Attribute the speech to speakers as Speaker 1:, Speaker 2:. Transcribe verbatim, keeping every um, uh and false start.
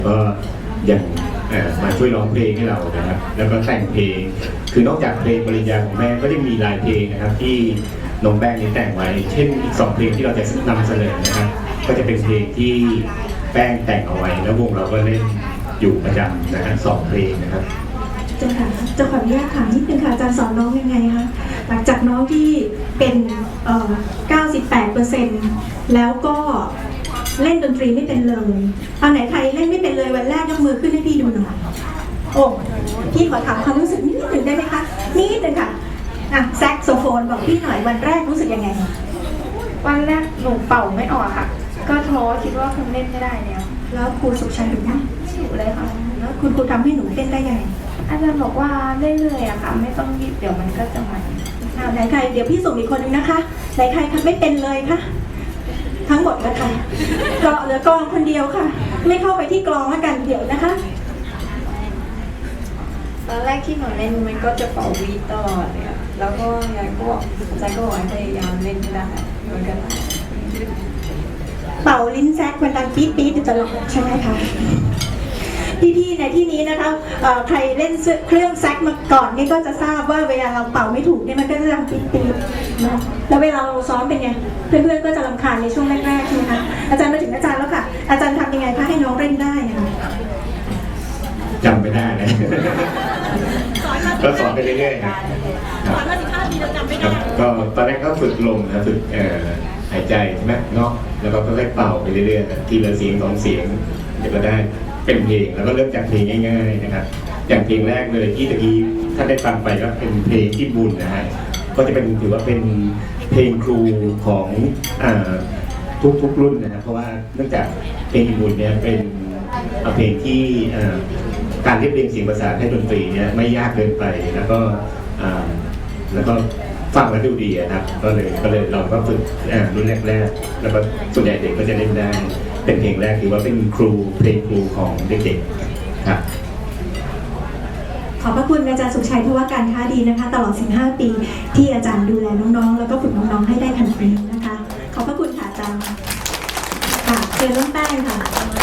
Speaker 1: ก็ยังมาช่วยร้องเพลงให้เรานะครับแล้วก็แต่งเพลงคือนอกจากเพลงปริญญาของแม่ก็ยังมีหลายเพลงนะครับที่น้องแป้งนี่แต่งไว้เช่นอีกสองเพลงที่เราจะนำเสนอนะครับก็จะเป็นเพลงที่แป้งแต่งเอาไว้แล้ววงเราก็เล่นอยู่ประจำนะฮะสองเพลงนะครับ
Speaker 2: จะค่ะจะขออนุญาตถามนิดนึงค่ะอาจารย์สอนน้องยังไงคะหลังจากน้องที่เป็นเอ่อ เก้าสิบแปดเปอร์เซ็นต์ แล้วก็เล่นดนตรีไม่เป็นเลยเอาไหนใครเล่นไม่เป็นเลยวันแรกยกมือขึ้นให้พี่ดูหน่อยโอ้พี่ขอถามความรู้สึกนิดหนึ่งได้ไหมคะนิดหนึ่งค่ะอ่ะแซกโซโฟนบอกพี่หน่อยวันแรกรู้สึกยังไง
Speaker 3: วันแรกหนูเป่าไม่ออกค่ะก็ท้อคิดว่าคงเล่นไม่ได้แล้ว
Speaker 2: แล้วครูสุขชัยดูไหม
Speaker 3: อยู่เลยค่ะ
Speaker 2: แล้วคุณครูทำให้หนูเต้นได้ยังไง
Speaker 3: อาจารย์บอกว่าเรื่อยๆอะค่ะไม่ต้องรีบเดี๋ยวมันก็จะมา
Speaker 2: ไหนใครเดี๋ยวพี่ส่งอีกคนนึงนะคะไหนใครไม่เป็นเลยคะทั้งหมดแล้วค่ะเกาะเหลือกลองคนเดียวค่ะไม่เข้าไปที่กลองแล้วกันเดี๋ยวนะคะ
Speaker 3: ตอนแรกที่หนูเล่นมันก็จะเป่าวีตลอดเลยแล้วก็ยายก็บอกอาจารย์ก็บอกให้พยายามเล่นให้ได้เหมือนกัน
Speaker 2: เป่าลิ้นแซกมันดังปี๊ดปี๊ดตลอดใช่ไหมคะพี่ๆในที่นี้นะคะใครเล่นเครื่องแซกมาก่อนนี่ก็จะทราบว่าเวลาเราเป่าไม่ถูกเนี่ยมันก็จะดังปี๊ดปี๊ดนะแล้วเวลาเราซ้อมเป็นไงเพื่อนๆก็จะรำคาญในช่วงแรกๆใช่ไหมคะอาจารย์มาถึงอาจารย์แล้วค่ะอาจารย์ทำยังไงคะให้น้องเล่นได้คะ
Speaker 1: จำไม่ได้เลยก็สอนไปเรื่อยๆครับ
Speaker 4: สอนมาสิบห้าปีเราจำไม่ได้
Speaker 1: ก็ตอนแรกก็ฝึกลมนะฝึกหายใจใช่ไหมเนาะแล้วก็ค่อยๆเป่าไปเรื่อยๆทีละเสียงสองเสียงเดี๋ยวก็ได้เป็นเพลงแล้วก็เริ่มจากเพลงง่ายๆนะครับอย่างเพลงแรกเลยที่ตะกี้ถ้าได้ฟังไปก็เป็นเพลงที่บุญนะฮะก็จะเป็นถือว่าเป็นเพลงครูของทุกทุกรุ่นนะครับเพราะว่าเนื่องจากเพลงบุญเนี่ยเป็นเพลงที่การเรียบเรียงเสียงประสานให้ดนตรีเนี่ยไม่ยากเกินไปแล้วก็แล้วก็ฟังแล้วดูดีนะครับก็เลยก็เลยเราก็ฝึกรุ่นแรกๆแล้วก็ส่วนใหญ่เด็กก็จะเล่นได้เป็นเพลงแรกถือว่าเป็นครูเพลงครูของเด็กๆครับ
Speaker 2: ขอบพระคุณอาจารย์สุขชัยเพราะว่าการค้าดีนะคะตลอดสิบห้าปีที่อาจารย์ดูแลน้องๆแล้วก็ฝึกน้องๆให้ได้ขนาดนี้นะคะขอบพระคุณค่ะอาจารย์ค่ะเชิญน้องแป้งค่ะ